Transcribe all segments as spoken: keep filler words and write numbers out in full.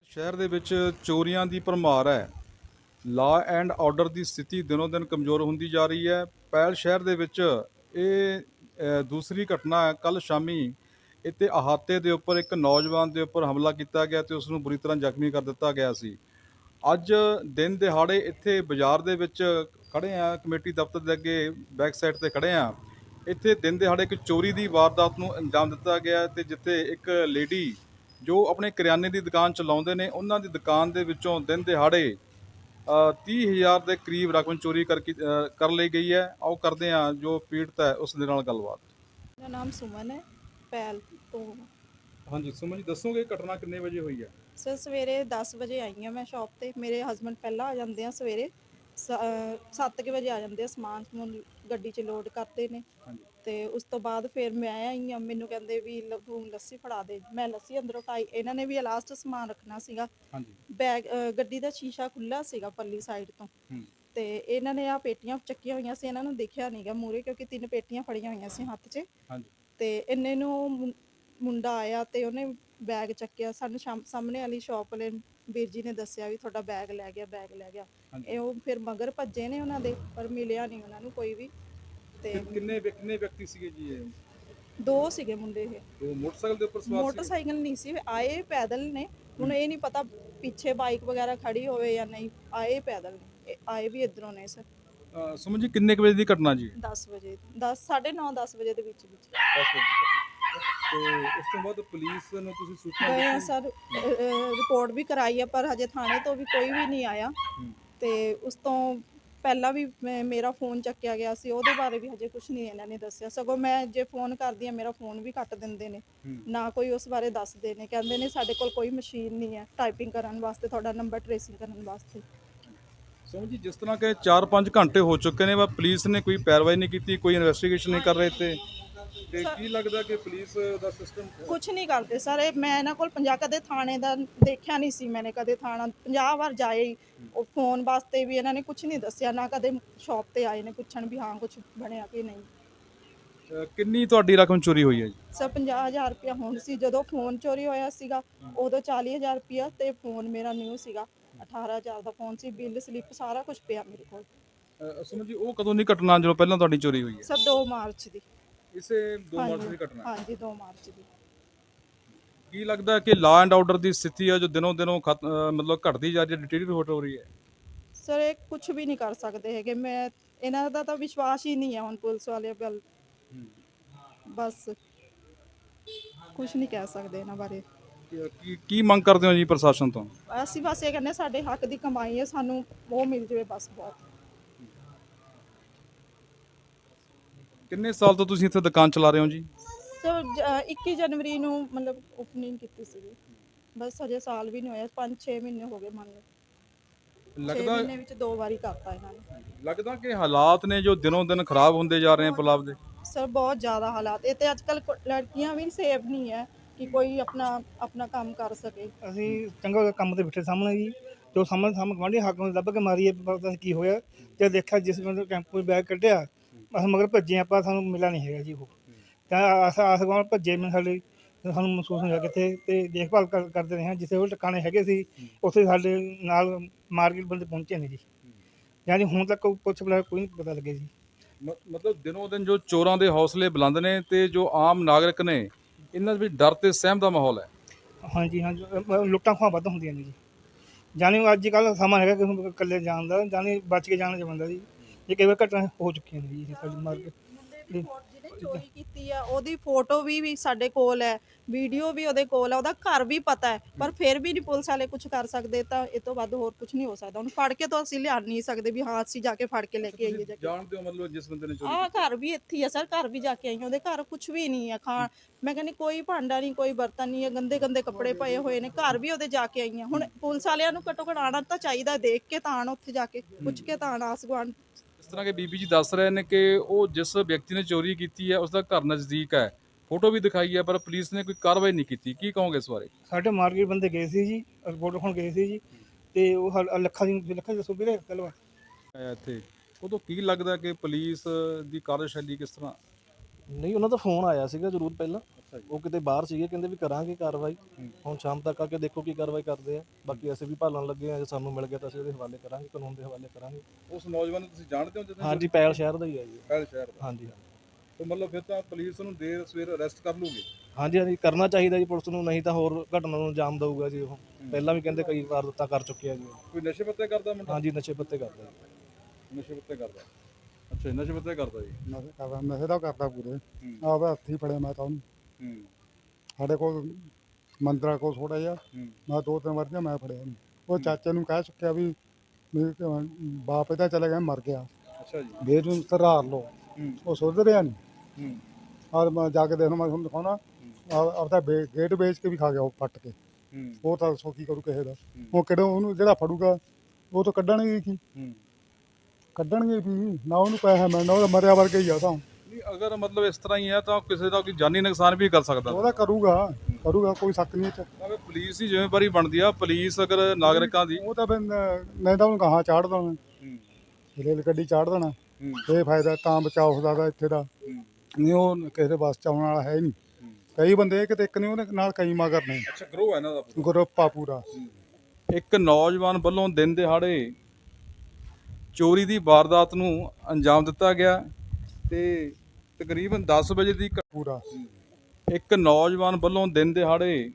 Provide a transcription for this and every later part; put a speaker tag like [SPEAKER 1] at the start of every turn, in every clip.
[SPEAKER 1] ਸ਼ਹਿਰ ਦੇ ਵਿੱਚ ਚੋਰੀਆਂ ਦੀ ਭਰਮਾਰ ਹੈ। ਲਾ ਐਂਡ ਆਰਡਰ ਦੀ ਸਥਿਤੀ ਦਿਨੋਂ ਦਿਨ ਕਮਜ਼ੋਰ ਹੁੰਦੀ ਜਾ ਰਹੀ ਹੈ। ਪੈਲ ਸ਼ਹਿਰ ਦੇ ਵਿੱਚ ਇਹ ਅ, ਦੂਸਰੀ ਘਟਨਾ ਹੈ। ਕੱਲ੍ਹ ਸ਼ਾਮੀ ਇੱਥੇ ਅਹਾਤੇ ਦੇ ਉੱਪਰ ਇੱਕ ਨੌਜਵਾਨ ਦੇ ਉੱਪਰ ਹਮਲਾ ਕੀਤਾ ਗਿਆ ਤੇ ਉਸ ਨੂੰ ਬੁਰੀ ਤਰ੍ਹਾਂ ਜ਼ਖਮੀ ਕਰ ਦਿੱਤਾ ਗਿਆ ਸੀ। ਅੱਜ ਦਿਨ ਦਿਹਾੜੇ ਇੱਥੇ ਬਾਜ਼ਾਰ ਦੇ ਵਿੱਚ ਖੜ੍ਹੇ ਆ, ਕਮੇਟੀ ਦਫ਼ਤਰ ਦੇ ਅੱਗੇ ਬੈਕ ਸਾਈਡ 'ਤੇ ਖੜ੍ਹੇ ਆ। ਇੱਥੇ ਦਿਨ ਦਿਹਾੜੇ ਇੱਕ ਚੋਰੀ ਦੀ ਵਾਰਦਾਤ ਨੂੰ ਅੰਜਾਮ ਦਿੱਤਾ ਗਿਆ ਤੇ ਜਿੱਥੇ ਇੱਕ ਲੇਡੀ ਜੋ ਆਪਣੇ ਕਰਿਆਨੇ ਦੀ ਦੁਕਾਨ ਚਲਾਉਂਦੇ ਨੇ, ਉਹਨਾਂ ਦੀ ਦੁਕਾਨ ਦੇ ਵਿੱਚੋਂ ਦਿਨ ਦਿਹਾੜੇ ਤੀਹ ਹਜ਼ਾਰ ਦੇ ਕਰੀਬ ਰਕਮ ਚੋਰੀ ਕਰਕੇ ਅ, ਕਰ ਲਈ ਗਈ ਹੈ। ਆਓ ਕਰਦੇ ਹਾਂ ਜੋ ਪੀੜਤ ਹੈ ਉਸ ਦੇ ਨਾਲ ਗੱਲਬਾਤ।
[SPEAKER 2] ਮੇਰਾ ਨਾਮ ਸੁਮਨ ਹੈ, ਪੈਲ ਤੋਂ।
[SPEAKER 1] ਹਾਂਜੀ ਸੁਮਨ ਜੀ, ਦੱਸੋਗੇ ਘਟਨਾ ਕਿੰਨੇ ਵਜੇ ਹੋਈ ਹੈ?
[SPEAKER 2] ਸਰ ਸਵੇਰੇ ਦਸ ਵਜੇ ਆਈ ਹਾਂ ਮੈਂ ਸ਼ਾਪ ਤੇ। ਮੇਰੇ ਹਸਬੰਡ ਪਹਿਲਾਂ ਆ ਜਾਂਦੇ ਆ ਸਵੇਰੇ ਸੱਤ ਕੁ ਵਜੇ ਆ ਜਾਂਦੇ ਆ, ਸਮਾਨ ਸਮੂਨ ਗੱਡੀ 'ਚ ਲੋਡ ਕਰਦੇ ਨੇ।
[SPEAKER 1] ਹਾਂਜੀ
[SPEAKER 2] ਤੇ ਉਸ ਤੋਂ ਬਾਅਦ ਫਿਰ ਮੈਂ ਆਈ ਹਾਂ, ਮੈਨੂੰ ਕਹਿੰਦੇ ਵੀ ਲ- ਤੂੰ ਲੱਸੀ ਫੜਾ ਦੇ। ਮੈਂ ਲੱਸੀ ਅੰਦਰੋਂ ਪਾਈ, ਇਹਨਾਂ ਨੇ ਵੀ ਲਾਸਟ ਸਮਾਨ ਰੱਖਣਾ ਸੀਗਾ।
[SPEAKER 1] ਹਾਂਜੀ
[SPEAKER 2] ਬੈਗ ਅ, ਗੱਡੀ ਦਾ ਸ਼ੀਸ਼ਾ ਖੁੱਲਾ ਸੀਗਾ ਪਰਲੀ ਸਾਈਡ ਤੋਂ।
[SPEAKER 1] ਹੂੰ
[SPEAKER 2] ਤੇ ਇਹਨਾਂ ਨੇ ਆ ਪੇਟੀਆਂ ਚੱਕੀਆਂ ਹੋਈਆਂ ਸੀ, ਇਹਨਾਂ ਨੂੰ ਦੇਖਿਆ ਨਹੀਂਗਾ ਮੂਹਰੇ, ਕਿਉਂਕਿ ਤਿੰਨ ਪੇਟੀਆਂ ਫੜੀਆਂ ਹੋਈਆਂ ਸੀ ਹੱਥ 'ਚ।
[SPEAKER 1] ਹਾਂਜੀ
[SPEAKER 2] ਤੇ ਇੰਨੇ ਨੂੰ ਮੁੰ- ਮੁੰਡਾ ਆਇਆ ਤੇ ਉਹਨੇ ਬੈਗ ਚੱਕਿਆ। ਸਾਨੂੰ ਸ਼ਾਮ- ਸਾਹਮਣੇ ਵਾਲੀ ਸ਼ਾਪ ਵਾਲੇ ਵੀਰ ਜੀ ਨੇ ਦੱਸਿਆ ਵੀ ਤੁਹਾਡਾ ਬੈਗ ਲੈ ਗਿਆ, ਬੈਗ ਲੈ ਗਿਆ।
[SPEAKER 1] ਹਾਂਜੀ
[SPEAKER 2] ਇਹ ਉਹ ਫਿਰ ਮਗਰ ਭੱਜੇ ਨੇ ਉਹਨਾਂ ਦੇ, ਪਰ ਮਿਲਿਆ ਨਹੀਂ ਉਹਨਾਂ ਨੂੰ ਕੋਈ ਵੀ। ਤੇ
[SPEAKER 1] ਕਿ- ਕਿੰਨੇ ਵਿਅ- ਕਿੰਨੇ ਵਿਅਕਤੀ ਸੀਗੇ ਜੀ ਇਹ?
[SPEAKER 2] ਦੋ ਸੀਗੇ ਮੁੰਡੇ ਇਹ।
[SPEAKER 1] ਉਹ ਮੋਟਰਸਾਈਕਲ ਦੇ ਉੱਪਰ ਸਵਾਰ ਸੀਗੇ?
[SPEAKER 2] ਮੋਟਰਸਾਈਕਲ ਨਹੀਂ ਸੀ, ਆਏ ਪੈਦਲ ਨੇ। ਹੁਣ ਇਹ ਨਹੀਂ ਪਤਾ ਪਿੱਛੇ ਬਾਈਕ ਵਗੈਰਾ ਖੜੀ ਹੋਵੇ ਜਾਂ ਨਹੀਂ, ਆਏ ਪੈਦਲ ਨੇ। ਇਹ ਆਏ ਵੀ ਇਧਰੋਂ ਨੇ ਸਰ।
[SPEAKER 1] ਅ, ਸੁਮਨ ਜੀ ਕਿੰਨੇ ਕੁ ਵਜੇ ਦੀ ਘਟਨਾ ਜੀ?
[SPEAKER 2] ਦਸ ਵਜੇ, ਦਸ ਸਾਢੇ ਨੌ ਦਸ ਵਜੇ ਦੇ ਵਿੱਚ ਵਿੱਚ
[SPEAKER 1] ਦਸ ਵਜੇ ਦੀ ਘਟਨਾ। ਤੇ ਉਸ ਤੋਂ ਬਾਅਦ ਪੁਲਿਸ ਨੂੰ ਤੁਸੀਂ ਸੂਚਨਾ
[SPEAKER 2] ਗਏ ਆ
[SPEAKER 1] ਦਿੱਤੀ?
[SPEAKER 2] ਸਰ, ਰਿਪੋਰਟ ਵੀ ਕਰਾਈ ਆ, ਪਰ ਹਜੇ ਥਾਣੇ ਤੋਂ ਵੀ ਕੋਈ ਵੀ ਨਹੀਂ ਆਇਆ।
[SPEAKER 1] ਹੂੰ।
[SPEAKER 2] ਤੇ ਉਸ ਤੋਂ ਪਹਿਲਾਂ ਵੀ ਮੈਂ- ਮੇਰਾ ਫੋਨ ਚੱਕਿਆ ਗਿਆ ਸੀ, ਉਹਦੇ ਬਾਰੇ ਵੀ ਹਜੇ ਕੁਝ ਨਹੀਂ ਇਹਨਾਂ ਨੇ ਦੱਸਿਆ। ਸਗੋਂ ਮੈਂ ਜੇ ਫੋਨ ਕਰਦੀ ਆ, ਮੇਰਾ ਫੋਨ ਵੀ ਕੱਟ ਦਿੰਦੇ ਨੇ।
[SPEAKER 1] ਹੂੰ।
[SPEAKER 2] ਨਾ ਕੋਈ ਉਸ ਬਾਰੇ ਦੱਸਦੇ ਨੇ, ਕਹਿੰਦੇ ਨੇ ਸਾਡੇ ਕੋਲ ਕੋਈ ਮਸ਼ੀਨ ਨਹੀਂ ਹੈ ਟਾਈਪਿੰਗ ਕਰਨ ਵਾਸਤੇ, ਤੁਹਾਡਾ ਨੰਬਰ ਟ੍ਰੇਸਿੰਗ ਕਰਨ ਵਾਸਤੇ।
[SPEAKER 1] ਸੁਮਨ ਜੀ, ਜਿਸ ਤਰ੍ਹਾਂ ਕਿ ਚਾਰ ਪੰਜ ਘੰਟੇ ਹੋ ਚੁੱਕੇ ਨੇ, ਪਰ ਪੁਲਿਸ ਨੇ ਕੋਈ ਪੈਰਵਾਈ ਨਹੀਂ ਕੀਤੀ, ਕੋਈ ਇਨਵੈਸਟੀਗੇਸ਼ਨ ਨਹੀਂ ਕਰ ਰਹੇ ਤੇ ਤੇ ਕੀ ਲੱਗਦਾ ਕਿ ਪੁਲਿਸ ਦਾ ਸਿਸਟਮ?
[SPEAKER 2] ਕੁਝ ਨਹੀਂ ਕਰਦੇ ਸਰ। ਇਹ ਮੈਂ ਇਹਨਾਂ ਕੋਲ ਪੰਜਾਹ ਕਦੇ ਥਾਣੇ ਦਾ ਦੇਖਿਆ ਨਹੀਂ ਸੀ, ਮੈਨੇ ਕਦੇ ਥਾਣਾ ਪੰਜਾਹ ਵਾਰ ਜਾਏ ਹੀ। ਉਹ ਫੋਨ ਵਾਸਤੇ ਵੀ ਇਹਨਾਂ ਨੇ ਕੁਝ ਨਹੀਂ ਦੱਸਿਆ, ਨਾ ਕਦੇ ਸ਼ਾਪ ਤੇ ਆਏ ਨੇ ਪੁੱਛਣ ਵੀ ਹਾਂ ਕੁਝ ਬਣਿਆ ਕਿ ਨਹੀਂ।
[SPEAKER 1] ਅ, ਕਿੰਨੀ ਤੁਹਾਡੀ ਰਕਮ ਚੋਰੀ ਹੋਈ ਹੈ ਜੀ?
[SPEAKER 2] ਸਰ ਪੰਜਾਹ ਹਜ਼ਾਰ ਰੁਪਇਆ ਹੁਣ ਸੀ, ਜਦੋਂ ਫੋਨ ਚੋਰੀ ਹੋਇਆ ਸੀਗਾ ਉਦੋਂ ਚਾਲੀ ਹਜ਼ਾਰ ਰੁਪਇਆ, ਤੇ ਫੋਨ ਮੇਰਾ ਨਿਊ ਸੀਗਾ, ਅਠਾਰਾਂ ਹਜ਼ਾਰ ਦਾ ਫੋਨ ਸੀ। ਬਿੱਲ ਸਲਿੱਪ ਸਾਰਾ ਕੁਝ ਪਿਆ ਮੇਰੇ ਕੋਲ।
[SPEAKER 1] ਅ, ਸੁਮਨ ਜੀ, ਉਹ ਕਦੋਂ ਦੀ ਘਟਨਾ ਜਦੋਂ ਪਹਿਲਾਂ ਤੁਹਾਡੀ ਚੋਰੀ ਹੋਈ ਹੈ?
[SPEAKER 2] ਸਰ ਦੋ ਮਾਰਚ ਦੀ।
[SPEAKER 1] ਇਸੇ ਦੋ ਮਾਰਚ
[SPEAKER 2] ਹਾਂਜੀ
[SPEAKER 1] ਦੀ ਘਟਨਾ ਹੈ।
[SPEAKER 2] ਹਾਂਜੀ, ਦੋ ਮਾਰਚ ਦੀ।
[SPEAKER 1] ਕੀ ਲੱਗਦਾ ਕਿ ਲਾ ਐਂਡ ਆਰਡਰ ਦੀ ਸਥਿਤੀ ਹੈ ਜੋ ਦਿਨੋਂ ਦਿਨੋਂ ਖਤ- ਅ, ਮਤਲਬ ਘਟਦੀ ਜਾ ਰਹੀ ਹੈ, ਡਿਟੀਰੀਓਰੇਟ ਹੋ ਰਹੀ ਹੈ?
[SPEAKER 2] ਸਰ ਇਹ ਕੁਝ ਵੀ ਨਹੀਂ ਕਰ ਸਕਦੇ ਹੈਗੇ। ਮੈਂ ਇਹਨਾਂ ਦਾ ਤਾਂ ਵਿਸ਼ਵਾਸ ਹੀ ਨਹੀਂ ਹੈ ਹੁਣ ਪੁਲਿਸ ਵਾਲਿਆਂ ਵੱਲ। ਬਸ ਕੁਝ ਨਹੀਂ ਕਹਿ ਸਕਦੇ ਇਹਨਾਂ ਬਾਰੇ।
[SPEAKER 1] ਕੀ- ਕੀ ਕੀ ਮੰਗ ਕਰਦੇ ਹੋ ਜੀ ਪ੍ਰਸ਼ਾਸਨ ਤੋਂ?
[SPEAKER 2] ਅਸੀਂ ਬਸ ਇਹ ਕਹਿੰਦੇ ਸਾਡੇ ਹੱਕ ਦੀ ਕਮਾਈ ਹੈ, ਸਾਨੂੰ ਉਹ ਮਿਲ ਜਾਵੇ ਬਸ, ਬਹੁਤ।
[SPEAKER 1] ਕਿੰਨੇ ਸਾਲ ਤੋਂ ਤੁਸੀਂ ਇੱਥੇ ਦੁਕਾਨ ਚਲਾ ਰਹੇ ਹੋ ਜੀ?
[SPEAKER 2] ਸਰ ਜ- ਇੱਕੀ ਜਨਵਰੀ ਨੂੰ ਮਤਲਬ ਓਪਨਿੰਗ ਕੀਤੀ ਸੀਗੀ, ਬਸ ਹਜੇ ਸਾਲ ਵੀ ਨਹੀਂ ਹੋਇਆ, ਪੰਜ ਛੇ ਮਹੀਨੇ ਹੋ ਗਏ ਮੰਨ ਲਓ। ਛੇ
[SPEAKER 1] ਲੱਗਦਾ
[SPEAKER 2] ਮਹੀਨੇ ਵਿੱਚ ਦੋ ਵਾਰੀ ਕਰਤਾ ਇਹਨਾਂ ਨੇ।
[SPEAKER 1] ਲੱਗਦਾ ਕਿ ਹਾਲਾਤ ਨੇ ਜੋ ਦਿਨੋਂ ਦਿਨ ਖਰਾਬ ਹੁੰਦੇ ਜਾ ਰਹੇ ਨੇ ਪੁਲਾਬ ਦੇ।
[SPEAKER 2] ਸਰ ਬਹੁਤ ਜ਼ਿਆਦਾ ਹਾਲਾਤ ਇਹ ਤੇ ਅੱਜ ਕੱਲ ਲੜਕੀਆਂ ਵੀ ਸੇਫ ਨਹੀਂ ਹੈ ਕਿ ਕੋਈ ਆਪਣਾ ਆਪਣਾ ਕੰਮ ਕਰ ਸਕੇ।
[SPEAKER 3] ਅਸੀਂ ਚੰਗਾ ਕੰਮ ਤੇ ਬੈਠੇ ਸਾਹਮਣੇ ਜੀ, ਜੋ ਸਾਹਮਣੇ ਸਾਹਮਣੇ ਗਵਾਂਢੀ ਹੱਕ ਨੂੰ ਲੱਭ ਕੇ ਮਾਰੀਏ, ਪਤਾ ਕੀ ਹੋਇਆ। ਤੇ ਦੇਖਿਆ ਜਿਸ ਬੰਦੇ ਟੈਂਪੂ 'ਚ ਬੈਗ ਕੱਢਿਆ, ਅਸੀਂ ਮਗਰ ਭੱਜੇ ਆਪਾਂ, ਸਾਨੂੰ ਮਿਲਿਆ ਨਹੀਂ ਹੈਗਾ ਜੀ ਉਹ। ਤਾਂ ਆਸ ਆਸ ਗਵਾਂ ਭੱਜੇ ਮੈਂ ਸਾਡੇ, ਤੇ ਸਾਨੂੰ ਮਹਿਸੂਸ ਹੋਇਆ ਕਿੱਥੇ, ਤੇ ਦੇਖਭਾਲ ਕਰ- ਕਰਦੇ ਰਹੇ ਹਾਂ। ਜਿੱਥੇ ਉਹ ਟਿਕਾਣੇ ਹੈਗੇ ਸੀ ਉੱਥੇ ਸਾਡੇ ਨਾਲ ਮਾਰਕੀਟ ਬੰਦੇ ਪਹੁੰਚੇ ਨੇ ਜੀ। ਯਾਨੀ ਹੁਣ ਤੱਕ ਪੁੱਛ ਬੁਲਾ ਕੋਈ ਨਹੀਂ ਪਤਾ ਲੱਗੇ ਜੀ।
[SPEAKER 1] ਮ- ਮਤਲਬ ਦਿਨੋਂ ਦਿਨ ਜੋ ਚੋਰਾਂ ਦੇ ਹੌਸਲੇ ਬੁਲੰਦ ਨੇ ਤੇ ਜੋ ਆਮ ਨਾਗਰਿਕ ਨੇ, ਇਹਨਾਂ ਵਿੱਚ ਡਰ ਤੇ ਸਹਿਮ ਦਾ ਮਾਹੌਲ ਹੈ।
[SPEAKER 3] ਹਾਂਜੀ ਹਾਂਜੀ, ਅ- ਲੁੱਟਾਂ ਖੋਹਾਂ ਵੱਧ ਹੁੰਦੀਆਂ ਨੇ ਜੀ। ਜਾਨੀ ਅੱਜ ਕੱਲ੍ਹ ਸਮਾਂ ਹੈਗਾ ਕਿਸੇ ਨੂੰ ਇਕੱਲੇ ਜਾਣ ਦਾ, ਜਾਨੀ ਬਚ ਕੇ ਜਾਣਾ ਚਾਹੁੰਦਾ ਜੀ। ਇਹ ਕਈ ਵਾਰ ਘਟਨਾ ਹੋ ਚੁੱਕੀਆਂ ਨੇ ਜੀ ਸਾਡੀ ਮਾਰਕੀਟ।
[SPEAKER 2] ਮੁੰਡੇ ਦੀ ਫੋ- ਜਿਹਨੇ ਚੋਰੀ ਕੀਤੀ ਆ ਉਹਦੀ ਫੋਟੋ ਵੀ ਵੀ ਸਾਡੇ ਕੋਲ ਹੈ, ਵੀਡੀਓ ਵੀ ਉਹਦੇ ਕੋਲ ਹੈ, ਉਹਦਾ ਘਰ ਵੀ ਪਤਾ ਹੈ, ਪਰ ਫਿਰ ਵੀ ਨਹੀਂ ਪੁਲਿਸ ਵਾਲੇ ਕੁਝ ਕਰ ਸਕਦੇ। ਤਾਂ ਇਹ ਤੋਂ ਵੱਧ ਹੋਰ ਕੁਝ ਨਹੀਂ ਹੋ ਸਕਦਾ। ਉਹਨੂੰ ਫੜ ਕੇ ਤਾਂ ਅਸੀਂ ਲਿਆ ਨਹੀਂ ਸਕਦੇ ਵੀ ਹਾਂ ਅਸੀਂ ਜਾ ਕੇ ਫੜ ਕੇ ਲੈ ਕੇ ਆਈਏ ਜਾ ਕੇ।
[SPEAKER 1] ਜਾਣਦੇ ਹੋ ਮਤਲਬ ਜਿਸ ਬੰਦੇ ਨੇ ਚੋਰੀ
[SPEAKER 2] ਆਹ ਘਰ ਵੀ ਇੱਥੇ ਹੀ ਆ ਸਰ, ਘਰ ਵੀ ਜਾ ਕੇ ਆਈ ਹਾਂ, ਉਹਦੇ ਘਰ ਕੁਝ ਵੀ ਨਹੀਂ ਹੈ ਖਾਣ। ਮੈਂ ਕਹਿੰਦੀ ਕੋਈ ਭਾਂਡਾ ਨਹੀਂ, ਕੋਈ ਬਰਤਨ ਨਹੀਂ ਹੈ, ਗੰਦੇ ਗੰਦੇ ਕੱਪੜੇ ਪਏ ਹੋਏ ਨੇ, ਘਰ ਵੀ ਉਹਦੇ ਜਾ ਕੇ ਆਈ ਹਾਂ। ਹੁਣ ਪੁਲਿਸ ਵਾਲਿਆਂ ਨੂੰ ਘੱਟੋ ਘੱਟ ਆਉਣਾ ਤਾਂ ਚਾਹੀਦਾ, ਦੇਖ ਕੇ ਤਾਂ ਆਉਣ, ਉੱਥੇ ਜਾ ਕੇ ਪੁੱਛ ਕੇ ਤਾਂ ਆਉਣ ਆਸ ਗੁਆਂਢ।
[SPEAKER 1] ਇਸ ਤਰ੍ਹਾਂ ਕੇ ਬੀਬੀ ਜੀ ਦੱਸ ਰਹੇ ਨੇ ਕਿ ਉਹ ਜਿਸ ਵਿਅਕਤੀ ਨੇ ਚੋਰੀ ਕੀਤੀ ਹੈ ਉਸ ਦਾ ਘਰ ਨਜ਼ਦੀਕ ਹੈ, ਫੋਟੋ ਵੀ ਦਿਖਾਈ ਹੈ, ਪਰ ਪੁਲਿਸ ਨੇ ਕੋਈ ਕਾਰਵਾਈ ਨਹੀਂ ਕੀਤੀ। ਕੀ ਕਹੋਗੇ ਇਸ ਬਾਰੇ?
[SPEAKER 3] ਸਾਡੇ ਮਾਰਕੀਟ ਬੰਦੇ ਗਏ ਸੀ ਜੀ, ਰਿਪੋਰਟ ਲਿਖਾਉਣ ਗਏ ਸੀ ਜੀ, ਤੇ ਉਹ ਹਲ- ਲੱਖਾਂ ਦੀ ਲੱਖਾਂ ਦੀ ਦੱਸੋ ਵੀਰੇ ਗੱਲਬਾਤ।
[SPEAKER 1] ਆਇਆ ਇੱਥੇ ਉਦੋਂ ਕੀ ਲੱਗਦਾ ਕਿ ਪੁਲਿਸ ਦੀ ਕਾਰਜਸ਼ੈਲੀ ਕਿਸ ਤਰ੍ਹਾਂ?
[SPEAKER 4] ਨਹੀਂ ਉਹਨਾਂ ਦਾ ਫੋਨ ਆਇਆ ਸੀਗਾ ਜ਼ਰੂਰ ਪਹਿਲਾਂ,
[SPEAKER 1] ਅੱਛਾ ਜੀ।
[SPEAKER 4] ਉਹ ਕਿਤੇ ਬਾਹਰ ਸੀਗੇ, ਕਹਿੰਦੇ ਵੀ ਕਰਾਂਗੇ ਕਾਰਵਾਈ।
[SPEAKER 1] ਹੂੰ।
[SPEAKER 4] ਹੁਣ ਸ਼ਾਮ ਤੱਕ ਆ ਕੇ ਦੇਖੋ ਕੀ ਕਾਰਵਾਈ ਕਰਦੇ ਆ। ਬਾਕੀ ਅਸੀਂ ਵੀ ਭਾਲਣ ਲੱਗੇ ਆ, ਜੇ ਸਾਨੂੰ ਮਿਲ ਗਿਆ ਤਾਂ ਅਸੀਂ ਉਹਦੇ ਹਵਾਲੇ ਕਰਾਂਗੇ, ਕਾਨੂੰਨ ਦੇ ਹਵਾਲੇ ਕਰਾਂਗੇ।
[SPEAKER 1] ਉਸ ਨੌਜਵਾਨ ਨੂੰ ਤੁਸੀਂ ਜਾਣਦੇ ਹੋ ਜਦੋਂ?
[SPEAKER 4] ਹਾਂਜੀ, ਪੈਲ ਸ਼ਹਿਰ ਦਾ ਹੀ ਹੈ ਜੀ।
[SPEAKER 1] ਪਹਿਲ ਸ਼ਹਿਰ ਦਾ।
[SPEAKER 4] ਹਾਂਜੀ
[SPEAKER 1] ਤਾਂ ਮਤਲਬ ਫਿਰ ਤਾਂ ਪੁਲਿਸ ਨੂੰ ਦੇਰ ਸਵੇਰ ਅਰੈਸਟ ਕਰ ਲੂਗੀ।
[SPEAKER 4] ਹਾਂਜੀ ਹਾਂਜੀ ਕਰਨਾ ਚਾਹੀਦਾ ਜੀ ਪੁਲਿਸ ਨੂੰ, ਨਹੀਂ ਤਾਂ ਹੋਰ ਘਟਨਾ ਨੂੰ ਅੰਜਾਮ ਦਊਗਾ ਜੀ। ਉਹ ਪਹਿਲਾਂ ਵੀ ਕਹਿੰਦੇ ਕਈ ਵਾਰ ਦਿੱਤਾ ਕਰ ਚੁੱਕਿਆ ਜੀ।
[SPEAKER 1] ਕੋਈ ਨਸ਼ੇ ਪੱਤੇ ਕਰਦਾ ਮੁੰਡਾ?
[SPEAKER 4] ਹਾਂਜੀ ਨਸ਼ੇ ਪੱਤੇ ਕਰਦਾ ਜੀ।
[SPEAKER 1] ਨਸ਼ੇ ਪੱਤੇ ਕਰਦਾ। ਅੱਛਾ, ਨਸ਼ੇ ਪੱਤੇ ਕਰਦਾ ਜੀ।
[SPEAKER 5] ਨਸ਼ੇ ਕਰਦਾ ਨਸ਼ੇ ਦਾ ਕਰਦਾ ਪੂਰੇ
[SPEAKER 1] ਹੂੰ
[SPEAKER 5] ਆਪਦਾ ਹੱਥੀ ਫੜਿਆ ਮੈਂ ਤਾਂ ਉਹਨੂੰ।
[SPEAKER 1] ਹੂੰ
[SPEAKER 5] ਸਾਡੇ ਕੋਲ ਮੰਦਰਾਂ ਕੋਲ ਥੋੜਾ ਜਿਹਾ
[SPEAKER 1] ਹੂੰ
[SPEAKER 5] ਮੈਂ ਦੋ ਤਿੰਨ ਵਾਰ ਜਾਂ ਮੈਂ ਫੜਿਆ ਉਹਨੂੰ। ਉਹ ਚਾਚੇ ਨੂੰ ਕਹਿ ਚੁੱਕਿਆ ਵੀ ਵੀ ਬਾਪ ਇਹਦਾ ਚਲਾ ਗਿਆ ਮਰ ਗਿਆ,
[SPEAKER 1] ਅੱਛਾ ਜੀ।
[SPEAKER 5] ਵੇਚ ਨੂੰ ਧਾਰ ਲਓ।
[SPEAKER 1] ਹੂੰ
[SPEAKER 5] ਉਹ ਸੁਧਰਿਆ ਨਹੀਂ।
[SPEAKER 1] ਹੂੰ
[SPEAKER 5] ਔਰ ਮੈਂ ਜਾ ਕੇ ਦੇਖੋ, ਮੈਂ ਤੁਹਾਨੂੰ ਦਿਖਾਉਣਾ ਆਪ- ਆਪਦਾ ਵੇ- ਗੇਟ ਵੇਚ ਕੇ ਵੀ ਖਾ ਗਿਆ ਉਹ ਪੱਟ ਕੇ।
[SPEAKER 1] ਹੂੰ
[SPEAKER 5] ਉਹ ਤਾਂ ਦੱਸੋ ਕੀ ਕਰੂ ਕਿਸੇ ਦਾ। ਉਹ ਕਿਹੜਾ ਉਹਨੂੰ ਜਿਹੜਾ ਫੜੂਗਾ ਉਹ ਤਾਂ ਕੱਢਣਗੇ ਕੀ,
[SPEAKER 1] ਹੂੰ
[SPEAKER 5] ਕੱਢਣਗੇ ਵੀ ਨਾ ਉਹਨੂੰ ਪੈਸਾ ਮਿਲਣਾ, ਉਹਦਾ ਮਰਿਆ ਵਰਗਾ ਹੀ ਆ ਉਹ ਤਾਂ।
[SPEAKER 1] ਨਹੀਂ, ਅਗਰ ਮਤਲਬ ਇਸ ਤਰ੍ਹਾਂ ਹੀ ਹੈ ਤਾਂ ਕਿਸੇ ਦਾ ਕੋਈ ਜਾਨੀ ਨੁਕਸਾਨ ਵੀ ਕਰ ਸਕਦਾ।
[SPEAKER 5] ਉਹਦਾ ਕਰੂਗਾ ਕਰੂਗਾ ਕੋਈ ਸ਼ੱਕ ਨਹੀਂ ਇਹ 'ਚ।
[SPEAKER 1] ਤਾਂ ਫਿਰ ਪੁਲਿਸ ਦੀ ਜ਼ਿੰਮੇਵਾਰੀ ਬਣਦੀ ਆ, ਪੁਲਿਸ ਅਗਰ ਨਾਗਰਿਕਾਂ ਦੀ।
[SPEAKER 5] ਉਹ ਤਾਂ ਫਿਰ ਨ- ਨਹੀਂ ਤਾਂ ਉਹਨੂੰ ਕਹਾਂ ਚਾੜ ਦੇਣਾ,
[SPEAKER 1] ਹੂੰ
[SPEAKER 5] ਰੇਲ ਗੱਡੀ ਚਾੜ ਦੇਣਾ।
[SPEAKER 1] ਹੂੰ
[SPEAKER 5] ਇਹ ਫਾਇਦਾ ਤਾਂ ਬਚਾਅ ਹੋ ਸਕਦਾ ਇੱਥੇ ਦਾ।
[SPEAKER 1] ਹੂੰ
[SPEAKER 5] ਨਹੀਂ ਉਹ ਕਿਸੇ ਦੇ ਬਸ ਚ ਆਉਣ ਵਾਲਾ ਹੈ ਹੀ ਨਹੀਂ।
[SPEAKER 1] ਹੂੰ।
[SPEAKER 5] ਕਈ ਬੰਦੇ ਕਿਤੇ ਇੱਕ ਨਹੀਂ, ਉਹਦੇ ਨਾਲ ਕਈ ਮਗਰ ਨੇ।
[SPEAKER 1] ਅੱਛਾ, ਗਰੋਹ ਹੈ ਇਹਨਾਂ ਦਾ ਪੂਰਾ।
[SPEAKER 5] ਗਰੁੱਪ ਆ ਪੂਰਾ।
[SPEAKER 1] ਇੱਕ ਨੌਜਵਾਨ ਵੱਲੋਂ ਦਿਨ ਦਿਹਾੜੇ ਚੋਰੀ ਦੀ ਵਾਰਦਾਤ ਨੂੰ ਅੰਜਾਮ ਦਿੱਤਾ ਗਿਆ ਤੇ ਤਕਰੀਬਨ ਦਸ ਵਜੇ ਦੀ ਘ-
[SPEAKER 5] ਪੂਰਾ
[SPEAKER 1] ਇੱਕ ਨੌਜਵਾਨ ਵੱਲੋਂ ਦਿਨ ਦਿਹਾੜੇ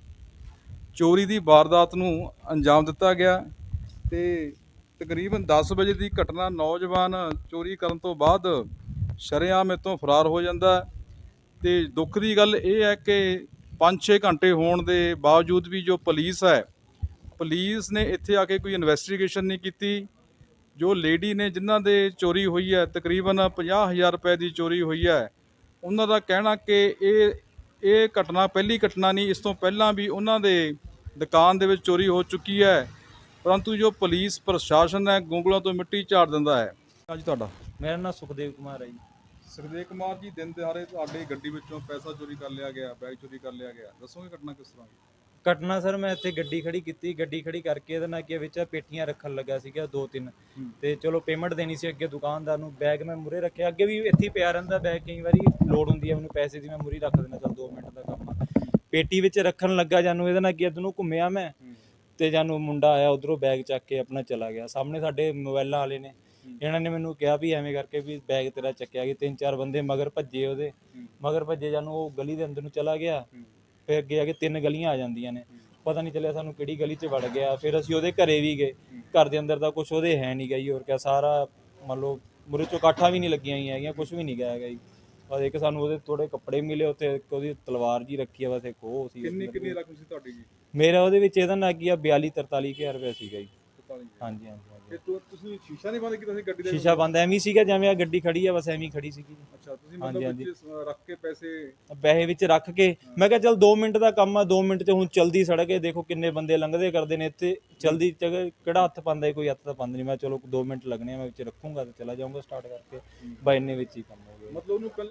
[SPEAKER 1] ਚੋਰੀ ਦੀ ਵਾਰਦਾਤ ਨੂੰ ਅੰਜਾਮ ਦਿੱਤਾ ਗਿਆ ਤੇ ਤਕਰੀਬਨ ਦਸ ਵਜੇ ਦੀ ਘਟਨਾ। ਨੌਜਵਾਨ ਚੋਰੀ ਕਰਨ ਤੋਂ ਬਾਅਦ ਸ਼ਰੇਆਮ ਇੱਥੋਂ ਫਰਾਰ ਹੋ ਜਾਂਦਾ ਹੈ ਤੇ ਦੁੱਖ ਦੀ ਗੱਲ ਇਹ ਹੈ ਕਿ ਪੰਜ ਛੇ ਘੰਟੇ ਹੋਣ ਦੇ ਬਾਵਜੂਦ ਵੀ ਜੋ ਪੁਲਿਸ ਹੈ, ਪੁਲਿਸ ਨੇ ਇੱਥੇ ਆ ਕੇ ਕੋਈ ਇਨਵੈਸਟੀਗੇਸ਼ਨ ਨਹੀਂ ਕੀਤੀ। ਜੋ ਲੇਡੀ ਨੇ ਜਿਨ੍ਹਾਂ ਦੇ ਚੋਰੀ ਹੋਈ ਹੈ, ਤਕਰੀਬਨ ਪੰਜਾਹ ਹਜ਼ਾਰ ਰੁਪਏ ਦੀ ਚੋਰੀ ਹੋਈ ਹੈ, ਉਹਨਾਂ ਦਾ ਕਹਿਣਾ ਕਿ ਇਹ ਇਹ ਘਟਨਾ ਪਹਿਲੀ ਘਟਨਾ ਨਹੀਂ, ਇਸ ਤੋਂ ਪਹਿਲਾਂ ਵੀ ਉਹਨਾਂ ਦੇ ਦੁਕਾਨ ਦੇ ਵਿੱਚ ਚੋਰੀ ਹੋ ਚੁੱਕੀ ਹੈ। ਪਰੰਤੂ ਜੋ ਪੁਲਿਸ ਪ੍ਰਸ਼ਾਸਨ ਹੈ ਗੋਂਗਲਾਂ ਤੋਂ ਮਿੱਟੀ ਝਾੜ ਦਿੰਦਾ ਹੈ। ਅੱਜ ਤੁਹਾਡਾ?
[SPEAKER 6] ਮੇਰਾ ਨਾਮ ਸੁਖਦੇਵ ਕੁਮਾਰ ਹੈ ਜੀ।
[SPEAKER 1] ਸੁਖਦੇਵ ਕੁਮਾਰ ਜੀ, ਦਿਨ ਦਿਹਾੜੇ ਤੁਹਾਡੀ ਗੱਡੀ ਵਿੱਚੋਂ ਪੈਸਾ ਚੋਰੀ ਕਰ ਲਿਆ ਗਿਆ, ਬੈਗ ਚੋਰੀ ਕਰ ਲਿਆ ਗਿਆ, ਦੱਸੋਗੇ ਘਟਨਾ ਕਿਸ ਤਰ੍ਹਾਂ ਦੀ?
[SPEAKER 6] ਘਟਨਾ ਸਰ, ਮੈਂ ਇੱਥੇ ਗੱਡੀ ਖੜੀ ਕੀਤੀ, ਗੱਡੀ ਖੜੀ ਕਰਕੇ ਇਹਦੇ ਨਾਲ ਕੀ ਵਿੱਚ ਪੇਟੀਆਂ ਰੱਖਣ ਲੱਗਾ ਸੀਗਾ ਦੋ ਤਿੰਨ, ਤੇ ਚਲੋ ਪੇਮੈਂਟ ਦੇਣੀ ਸੀ ਅੱਗੇ ਦੁਕਾਨਦਾਰ ਨੂੰ। ਬੈਗ ਮੈਂ ਮੂਹਰੇ ਰੱਖਿਆ, ਅੱਗੇ ਵੀ ਇੱਥੇ ਹੀ ਪਿਆ ਰਹਿੰਦਾ ਬੈਗ, ਕਈ ਵਾਰੀ ਲੋੜ ਹੁੰਦੀ ਹੈ ਮੈਨੂੰ ਪੈਸੇ ਦੀ, ਮੈਂ ਮੂਹਰੇ ਰੱਖ ਦਿੰਦਾ, ਚਲ ਦੋ ਮਿੰਟ ਦਾ ਕੰਮ ਆ। ਪੇਟੀ ਵਿੱਚ ਰੱਖਣ ਲੱਗਾ ਜਾਨੂੰ, ਇਹਦੇ ਨਾਲ ਕੀ ਇੱਧਰੋਂ ਘੁੰਮਿਆ ਮੈਂ ਤੇ ਜਾਨੂੰ ਮੁੰਡਾ ਆਇਆ ਉਧਰੋਂ ਬੈਗ ਚੱਕ ਕੇ ਆਪਣਾ ਚਲਾ ਗਿਆ। ਸਾਹਮਣੇ ਸਾਡੇ ਮੋਬਾਈਲਾਂ ਵਾਲੇ ਨੇ, ਇਹਨਾਂ ਨੇ ਮੈਨੂੰ ਕਿਹਾ ਵੀ ਐਵੇਂ ਕਰਕੇ ਵੀ ਬੈਗ ਤੇਰਾ ਚੱਕਿਆ ਗਿਆ। ਤਿੰਨ ਚਾਰ ਬੰਦੇ ਮਗਰ ਭੱਜੇ, ਉਹਦੇ ਮਗਰ ਭੱਜੇ ਜਾਨੂੰ ਉਹ ਗਲੀ ਦੇ ਅੰਦਰ ਨੂੰ ਚਲਾ ਗਿਆ। ਫਿਰ ਅੱਗੇ ਆ ਕੇ ਤਿੰਨ ਗਲੀਆਂ ਆ ਜਾਂਦੀਆਂ ਨੇ, ਪਤਾ ਨਹੀਂ ਚੱਲਿਆ ਸਾਨੂੰ ਕਿਹੜੀ ਗਲੀ 'ਚ ਵੜ ਗਿਆ। ਫਿਰ ਅਸੀਂ ਉਹਦੇ ਘਰੇ ਵੀ ਗਏ, ਘਰ ਦੇ ਅੰਦਰ ਦਾ ਕੁਝ ਉਹਦੇ ਹੈ ਨਹੀਂ ਗਈ। ਹੋਰ ਕਿਆ, ਸਾਰਾ ਮੰਨ ਲਓ ਮੁਰੇ ਚੋਂ ਕਾਠਾਂ ਵੀ ਨਹੀਂ ਲੱਗੀਆਂ ਹੋਈਆਂ ਹੈਗੀਆਂ, ਕੁਝ ਵੀ ਨਹੀਂ ਗਿਆ ਹੈਗਾ ਜੀ। ਬਸ ਇੱਕ ਸਾਨੂੰ ਉਹਦੇ ਥੋੜੇ ਕੱਪੜੇ ਮਿਲੇ ਉੱਥੇ, ਇੱਕ ਉਹਦੀ ਤਲਵਾਰ ਜੀ ਰੱਖੀ ਆ, ਬਸ ਇੱਕ ਉਹ ਸੀ।
[SPEAKER 1] ਕਿੰਨੀ ਕਿੰਨੀ ਰਕਮ ਸੀ ਤੁਹਾਡੀ ਜੀ?
[SPEAKER 6] ਮੇਰਾ ਉਹਦੇ ਵਿੱਚ ਇਹਦਾ ਨਾ ਕੀ ਆ ਬਿਆਲੀ ਤਰਤਾਲੀ ਹਜ਼ਾਰ ਰੁਪਇਆ ਸੀਗਾ ਜੀ। ਹਾਂਜੀ ਹਾਂਜੀ
[SPEAKER 1] ਤੇ ਤੁ- ਤੁਸੀਂ ਸ਼ੀਸ਼ਾ ਨਹੀਂ ਬੰਦ ਕੀਤਾ ਸੀ ਗੱਡੀ ਦਾ?
[SPEAKER 6] ਸ਼ੀਸ਼ਾ ਬੰਦ ਐਵੇਂ ਹੀ ਸੀਗਾ ਜਿਵੇਂ ਆ ਗੱਡੀ ਖੜੀ ਆ, ਬਸ ਐਵੇਂ ਹੀ ਖੜੀ ਸੀਗੀ।
[SPEAKER 1] ਅੱਛਾ, ਤੁਸੀਂ
[SPEAKER 6] ਹਾਂਜੀ,
[SPEAKER 1] ਮਤਲਬ
[SPEAKER 6] ਹਾਂਜੀ।
[SPEAKER 1] ਵਿੱਚ ਰੱਖ ਕੇ ਪੈਸੇ?
[SPEAKER 6] ਪੈਸੇ ਵਿੱਚ ਰੱਖ ਕੇ ਮੈਂ ਕਿਹਾ ਚੱਲ ਦੋ ਮਿੰਟ ਦਾ ਕੰਮ ਆ, ਦੋ ਮਿੰਟ 'ਚ ਹੁਣ ਚਲਦੀ ਸੜਕ ਹੈ, ਦੇਖੋ ਕਿੰਨੇ ਬੰਦੇ ਲੰਘਦੇ ਕਰਦੇ ਨੇ ਇੱਥੇ, ਚਲਦੀ ਜਗ੍ਹਾ ਕਿਹੜਾ ਹੱਥ ਪਾਉਂਦਾ ਹੈ, ਕੋਈ ਹੱਥ ਤਾਂ ਪਾਉਂਦਾ ਨਹੀਂ। ਮੈਂ ਚਲੋ ਦੋ ਮਿੰਟ ਲੱਗਣੇ ਆ, ਮੈਂ ਵਿੱਚ ਰੱਖੂੰਗਾ ਤੇ ਚਲਾ ਜਾਊਂਗਾ ਸਟਾਰਟ ਕਰਕੇ, ਬਾ ਇੰਨੇ ਵਿੱਚ ਹੀ ਕੰਮ ਹੋ ਗਿਆ।
[SPEAKER 1] ਮਤਲਬ ਉਹਨੂੰ ਪਹਿਲਾਂ